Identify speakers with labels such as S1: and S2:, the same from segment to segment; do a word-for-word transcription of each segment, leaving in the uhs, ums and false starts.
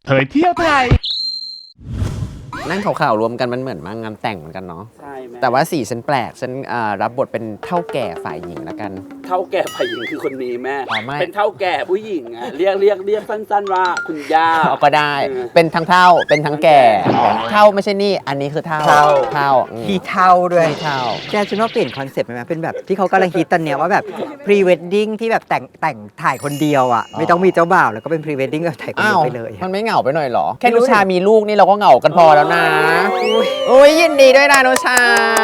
S1: เผยเที่ยวไทย
S2: นั่งขาวๆรวมกันมันเหมือนมางานแต่งเหมือนกันเนาะ
S3: ใช่แม่
S2: แต่ว่าสีฉันแปลกฉันรับบทเป็นเท่าแก่ฝ่ายหญิงแล้วกัน
S3: เท่าแก่ฝ่ายหญิงคือคนนี้แม่
S2: อ๋อไม่
S3: เป็นเท่าแก่ผู้หญิงอะเรียกเรียกเรียกสั้นๆว่าคุณย่า
S2: เอาก็ได้เป็นทั้งเท่าเป็นทั้งแก่เท่าไม่ใช่นี่อันนี้คือเท่า
S4: เท่า
S2: เท่า
S4: พี่เท่าด้วย
S2: เท่า
S4: แกฉันว่าเปลี่ยนคอนเซ็ปต์ไปไหมเป็นแบบที่เขากำลังฮิตตอนเนี้ยว่าแบบพรีเวดดิ้งที่แบบแต่งแต่งถ่ายคนเดียวอ่ะไม่ต้องมีเจ้าบ่าวแล้วก็เป็นพรีเวดดิ้งแบบถ่ายคนเดียวไปเลย
S2: มันไม่เหงาไปหน่อยหรอแค่นุชามีลูกนี่เราก็เหงากันพอแล้วนะอุ้ยยินดีด้วยนะนุชา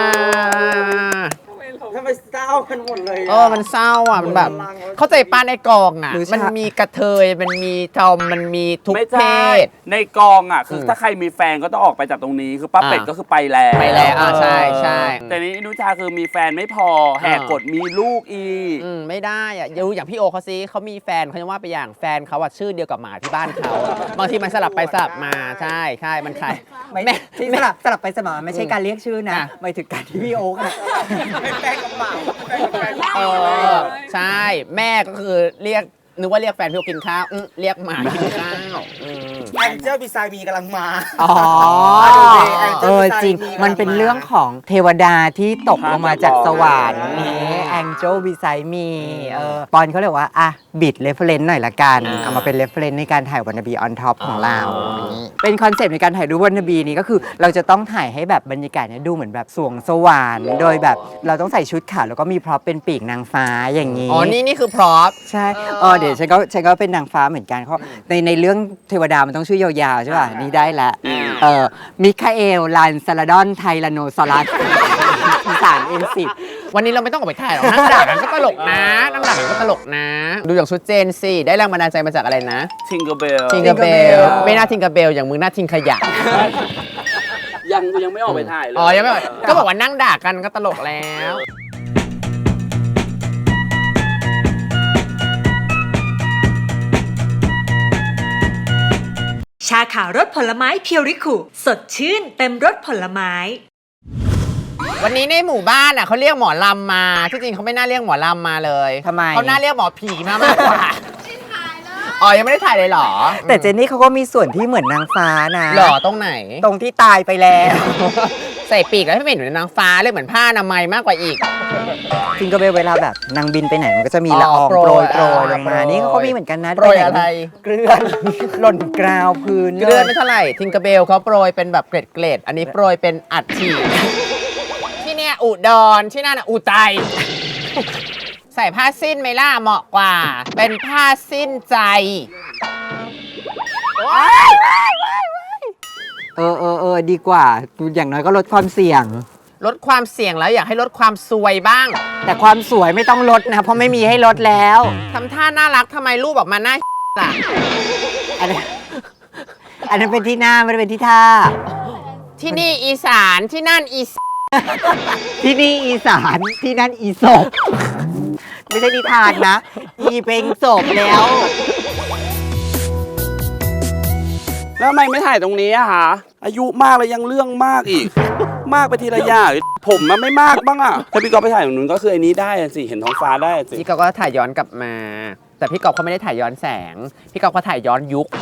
S3: ทำไมเศร้ากันหมดเลย
S2: เออมันเศร้าอ่ะมันแบบเข้าใจป้าในกองอ่ะมันมีกระเทยมันมีทอมมันมีทุกเพศ
S3: ในกองอ่ะคือถ้าใครมีแฟนก็ต้องออกไปจากตรงนี้คือป้าเป็ดก็คือไปแล้ว
S2: ไปแล้วอ่าใช่ใช่
S3: แต่นี้นุชาคือมีแฟนไม่พอแหกกฎมีลูกอีก
S2: อืมไม่ได้อ่ะดูอย่างพี่โอเขาซิเขามีแฟนเขาจะว่าไปอย่างแฟนเขาอ่ะชื่อเดียวกับหมาที่บ้านเขาบางทีมันสลับไปสลับมาใช่ใช่มันใคร
S4: ไม่ที่สลับสลับไปสลับมาไม่ใช่การเรียกชื่อนะหมายถึงการที่พี่โอ๊ก
S3: แฟนกับหมา
S2: เออใช่แม่ก็คือเรียกนึกว่าเรียกแฟนพี่โอกินข้าวเรียกหมากินข้าว
S3: แองเจิลบีไซมีกำลังมา
S4: อ๋อเออจริงมันเป็นเรื่องของเทวดาที่ตกลงมาจากสวรรค์นี้แองเจิลบีไซมีเออปอนเขาเรียกว่าอ่ะบิดเรฟเฟรนซ์หน่อยละกันเอามาเป็นเรฟเฟรนซ์ในการถ่ายวันนบีออนท็อปของเราเป็นคอนเซปต์ในการถ่ายรูปวันนบีนี้ก็คือเราจะต้องถ่ายให้แบบบรรยากาศเนี่ยดูเหมือนแบบสวงสวรรค์โดยแบบเราต้องใส่ชุดขาวแล้วก็มีพร็อพเป็นปีกนางฟ้าอย่างนี้
S2: อ๋อนี่นี่คือพร็อพ
S4: ใช่เออเดี๋ยวฉันก็ฉันก็เป็นนางฟ้าเหมือนกันเพราะในในเรื่องเทวดามันต้องชื่อยาวๆใช่ป่ะนี่ได้ละเออมิคาเอลลันซาลาดอนไทแรโนซอรัสสามเอ็นสิบ
S2: วันนี้เราไม่ต้องออกไปถ่ายหรอกนั่งด่ากันก็ตลกนะนั่งด่ากันก็ตลกนะดูอย่างชุดเจนสิได้แรงบันดาลใจมาจากอะไรนะ
S3: ทิงเกอร์เบล
S2: ทิงเกอร์เบลไม่น่าทิงเกอร์เบลอย่างมึงน่าทิงขยะ
S3: ยังยังไม่ออกไปถ่ายเลย
S2: อ๋อยังไม่ออกก็บอกว่านั่งด่ากันก็ตลกแล้ว
S5: ชาขาวรสผลไม้เพียวริคุสดชื่นเต็มรสผลไม้
S2: วันนี้ในหมู่บ้านอ่ะเขาเรียกหมอลำมาที่จริงเขาไม่น่าเรียกหมอลำมาเลย
S4: ทำไม
S2: เขาน่าเรียกหมอผีมามากกว่าอ๋อยังไม่ได้ถ่ายเลยหรอ
S4: แต่เจนนี่เขาก็มีส่วนที่เหมือนนางฟ้านะ
S2: หรอตรงไหน
S4: ตรงที่ตายไปแล้ว
S2: ใส่ปีกแล้วไม่เหมือนนางฟ้าเลยเหมือนผ้าอนามัยมากกว่าอีก
S4: จริงก็เวลาแบบนางบินไปไหนมันก็จะมีละอองโปรยโปรยลงมานี่เขาก็มีเหมือนกันนะ
S2: โปรยอะไร
S4: เกลือนหล่นกราวพื้น
S2: เกลือนไม่เท่าไหร่ทิงกระเบลเขาโปรยเป็นแบบเกล็ดเกล็ดอันนี้โปรยเป็นอัดฉีดที่เนี่ยอุดรที่นั่นอุทัยใส่ผ้าสิ้นไหมล่ะเหมาะกว่าเป็นผ้าสิ้นใจ
S4: เออเออเออดีกว่าอย่างน้อยก็ลดความเสี่ยง
S2: ลดความเสี่ยงแล้วอยากให้ลดความซวยบ้าง
S4: แต่ความสวยไม่ต้องลดนะเพราะไม่มีให้ลดแล้ว
S2: ทำท่าน่ารักทำไมรูปออกมาหน้าล่ะ
S4: อันนั้นอันนั้นเป็นที่หน้าไม่ได้เป็นที่ท่า
S2: ที่นี่อีสานที่นั่นอี
S4: ที่นี่อีสานที่นั่นอีศพไม่ใช่นิทานนะอีเป็นศพแล้ว
S3: แล้วทำไมไม่ถ่ายตรงนี้อะคะอายุมากแล้วยังเรื่องมากอีกมากไปทีละอย่างผมมันไม่มากบ้างอะถ้าพี่ก๊อฟไปถ่ายตรงนู้นก็คือไอ้นี้ได้สิเห็นท้องฟ้าได้สิ
S2: พี่ก๊อฟก็ถ่ายย้อนกลับมาแต่พี่ก๊อฟเขาไม่ได้ถ่ายย้อนแสงพี่ก๊อฟเขาถ่ายย้อนยุค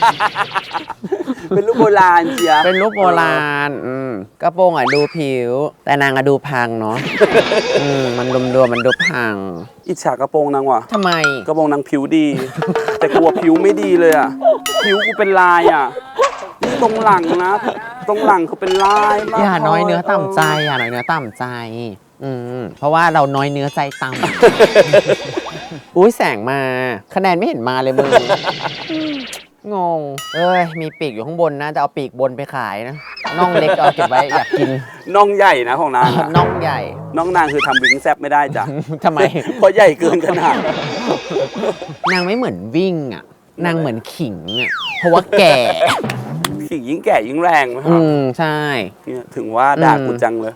S3: เป็นรูปโบราณเชีย
S2: เป็นรูปโบราณอืมกระโปรงอ่ะดูผิวแต่นางอ่ะดูพังเนาะอืมมันรวมๆมันดูพัง
S3: อิจฉากระโปรงนางว่ะ
S2: ทำไม
S3: กระโปรงนางผิวดีแต่กลัวผิวไม่ดีเลยอ่ะผิวกูเป็นลายอ่ะตรงหลังนะตรงหลังเขาเป็นลายมาก
S2: อย่าน้อยเนื้อต่ำใจอย่าน้อยเนื้อต่ำใจอืมเพราะว่าเราน้อยเนื้อใจต่ำอุ้ยแสงมาคะแนนไม่เห็นมาเลยมึงงงเอ้ยมีปีกอยู่ข้างบนนะจะเอาปีกบนไปขายนะน่องเล็กเอาเก็บไว้อยากกิน
S3: น่องใหญ่นะของนาง
S2: น่องใหญ่
S3: น่องนางคือทำวิ่งแซบไม่ได้จ้ะ
S2: ทำไม
S3: เพราะใหญ่เกินขนาด
S2: นางไม่เหมือนวิ่งอ่ะนางเหมือนขิงอ่ะเพราะว่าแก่
S3: ขิงยิ่งแก่ยิ่งแรง
S2: อืมใช่
S3: ถึงว่าด่ากูจังเลย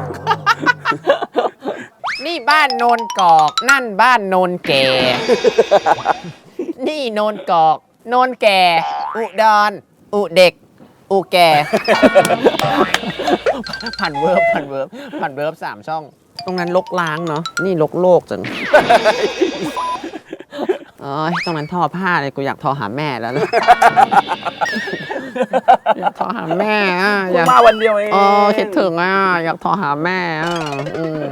S2: นี่บ้านโนนกอกนั่นบ้านโนนแก่นี่โนนกอกโนนแก่อุดรอุเด็กอุแก่ผ่านเวิร์บผ่านเวิร์บผ่านเวิร์บสามช่องตรงนั้นลกล้างเนาะนี่ลกโลกจังเอ้ยตรงนั้นทอผ้าเลยกูอยากทอหาแม่แล้วนะอยากโทรหาแม่อ่ะอ
S3: เพิ่
S2: ยาง ก
S3: มาวันเดียวเอง
S2: เออคิดถึงอ่ะอยากโทรหาแม่อ่ะอืม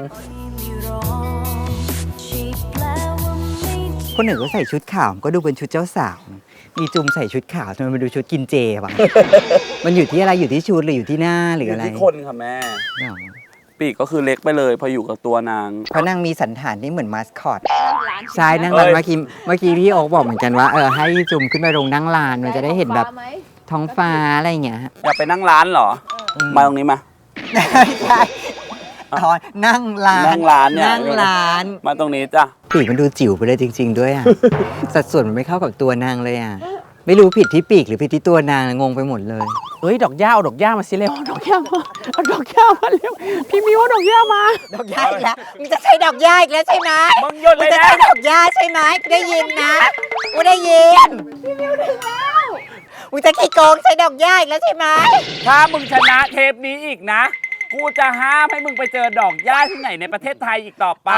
S4: คนหนึ่งก็ใส่ชุดขาวก็ดูเป็นชุดเจ้าสาวมีจุมใส่ชุดขาวทำไมมันดูชุดกินเจวะ มันอยู่ที่อะไรอยู่ที่ชุดหรืออยู่ที่หน้าหรืออะไร
S3: ที่คนค่ะแม่
S4: เนาะ
S3: ปีกก็คือเล็กไปเลย พออยู่กับตัวนาง
S4: เพราะนางมีสันฐานที่เหมือนมาสคอตใช่นั่งร้าน
S3: เอ้ย
S4: เมื่อกี้เมื่อกี้พี่โอ๊คบอกเหมือนกันว่าเออให้จุมขึ้นไปลงนั่งลานมันจะได้เห็นแบบท้องฟ้าอะไรอย่างเงี้ย
S3: อยากไปนั่งร้านเหรอ มาตรงนี้มา
S4: ใช่อ๋อนั่งร้าน
S3: นั่งร้านเนี่ย
S4: นั่งร้าน
S3: มาตรงนี้จ้ะ
S4: ปีกมันดูจิ๋วไปเลยจริง ๆ ด้วยอ่ะ สัดส่วนมันไม่เข้ากับตัวนางเลยอ่ะ ไม่รู้ผิดที่ปีกหรือผิดที่ตัวนางงงไปหมดเลย
S2: เอ้ยดอกหญ้าเอาดอกหญ้ามาสิเร็วเอาดอกหญ้ามาเอาดอกหญ้ามาเร็วพี่มิวเอาดอกหญ้ามา
S4: ดอกหญ้าอีกแล้วมึงจะใช้ดอกหญ้าอีกแล้วใช่ไหม
S3: มึงหยุดเลย
S4: จะ
S3: นะ
S4: ใช้ดอกหญ้าใช่ไหมกูได้ยินนะกูได้ยินพี่มิวถึงแล้วมึงจะขี้โกงใช้ดอกหญ้าอีกแล้วใช่ไหม
S3: ถ้ามึงชนะเทปนี้อีกนะ กูจะห้ามให้มึงไปเจอดอกหญ้าที่ไหนในประเทศไทยอีกต่อไป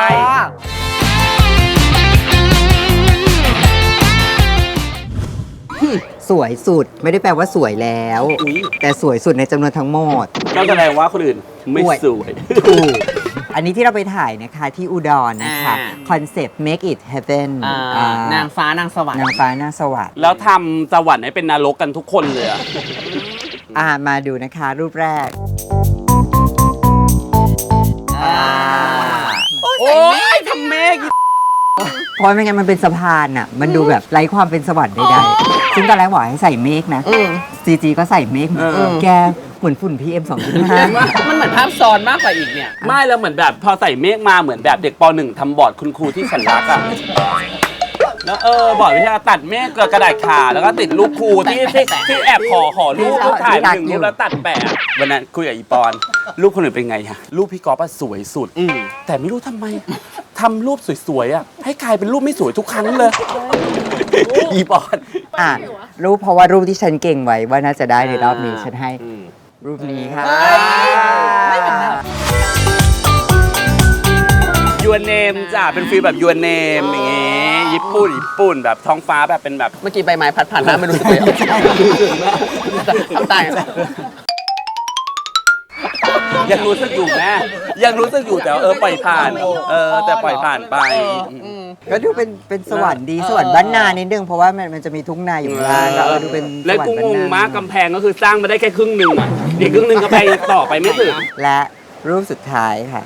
S4: สวยสุดไม่ได้แปลว่าสวยแล้ว
S3: อุ๊ย
S4: แต่สวยสุดในจำนวนทั้งหมด
S3: ก็แสดงว่าคนอื่นไม่
S4: อวย
S3: สวย
S4: ถูกอันนี้ที่เราไปถ่ายนะคะที่อุดรนะคะ
S2: อ่า
S4: คอนเซปต์ make it heaven
S2: อ่า
S4: อ่าน
S2: างฟ้านางสวรรค์
S4: นางฟ้าหน้าสวัสดิ์
S3: แล้วทำสวรรค์ให้เป็นนรกกันทุกคนเลยอะ
S4: อ่ามาดูนะคะรูปแรก
S3: โอ้ยทำเมฆ
S4: เพราะไม่งั้นมันเป็นสะพานอ่ะ มันดูแบบไร้ความเป็นสวรรค์ใดๆซึ่งตอนแรกบอกให้ใส่เมฆนะซีจีก็ใส่เมฆแกเหมือนฝุ่น พี เอ็ม สองจุดห้า
S2: มันเหมือนภาพซ้อนมากกว่าอีกเนี่ย
S3: ไม่แล้วเหมือนแบบพอใส่เมฆมาเหมือนแบบเด็กปหนึ่งทำบอร์ดคุณครูที่ฉันรักอะแล้วเออบอร์ดวิชาตัดเมฆกับกระดาษขาแล้วก็ติดรูปครูที่ที่ที่แอบขอขอรูปรูปถ่ายมาหนึ่งรูปแล้วตัดแปะวันนั้นคุยกับอีปอนรูปคนอื่นเป็นไงฮะรูปพี่ก๊อฟอะสวยสุดแต่ไม่รู้ทำไมทำรูปสวยๆอะให้กลายเป็นรูปไม่สวยทุกครั้งเลยอีปอน
S4: อ่ะรูปเพราะว่ารูปที่ฉันเก่งไว้ว่าน่าจะได้ในรอบนี้ฉันให้รูปนี้ค่ะ
S3: ยูเนมจ้ะเป็นฟีลแบบยูเนมอย่างงี้ญี่ปุ่นญี่ปุ่นแบบท้องฟ้าแบบเป็นแบบ
S2: เมื่อกี้ใบไม้พัดผ่านหน้าไม่รู้สึกเลยทำตาย
S3: ยังรู้สึกอยู่แม่ยังรู้สึกอยู่แต่ว่าเออปล่อยผ่านเออแต่ปล่อยผ่านไป
S4: ก็ดูเป็นเป็นสวรรค์ดีสวรรค์บ้านนานิดนึงเพราะว่ามันมันจะมีทุ่งนาอยู่ข้างล่างก็เออดูเป็นส
S3: และ
S4: วรร
S3: กู
S4: ค์บ้าน
S3: งง
S4: นาม
S3: ากกำแพงก็คือสร้างมาได้แค่ครึ่งหนึ่งอ่ะอีกครึ่งหนึ่งกำแพงยังต่อไปไม่ถึง
S4: และรูปสุดท้ายค่ะ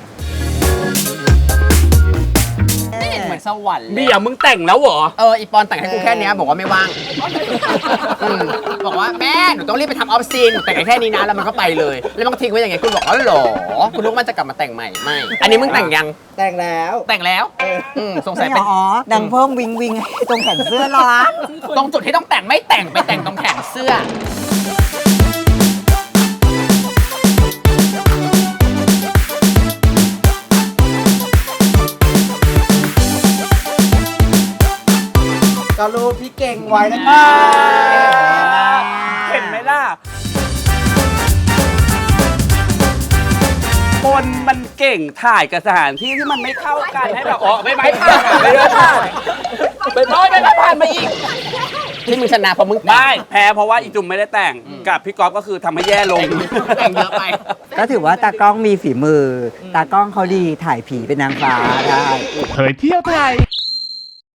S2: ไม่เห็นเหมือนสวรรค์เลย
S3: เบียร์มึงแต่งแล้วเหรอ
S2: เอออีปอนแต่งให้กูแค่เนี้ยบอกว่าไม่ว่างอืมบอกว่าแม่หนูต้องรีบไปทำออฟซีนหนูแต่งให้แค่นี้นะแล้วมันก็ไปเลย แล้วมันก็ทิ้งไว้อย่างไงคุณบอกอ๋อเหรอคุณรู้ว่ามันจะกลับมาแต่งใหม่ไม่อันนี้มึงแต่งยัง
S4: แต่งแล้ว
S2: แต่งแล้วอืมสงสัย
S4: ไม่
S2: เป็น
S4: อ๋อดังเพิ่มวิงวิงให้ตรงแขนเสื้อร้อน
S2: ตรงจุดที่ต้องแต่งไม่แต่งไปแต่งตรงแขนเสื้อ
S4: ก็รูปที่เก่งไว้แล้ว
S3: เห็นไหมล่ะคนมันเก่งถ่ายกับสถานที่ที่มันไม่เข้ากันให้แบบอ๋อไม่ไม่ผ่านไม่ไม่ผ่านไม่ไม่ไม่ผ่านมาอีก
S2: ที่มึงชนะเพราะมึงแต่ง
S3: ไม่แพ้เพราะว่าอีจุ่มไม่ได้แต่งกับพี่ก๊อฟก็คือทำให้แย่ลง
S2: แต่งเยอะไป
S4: ก็ถือว่าตากล้องมีฝีมือ ตากล้องเขาดีถ่ายผีเป็นนางฟ้าได้
S1: เผยเที่ยวไทย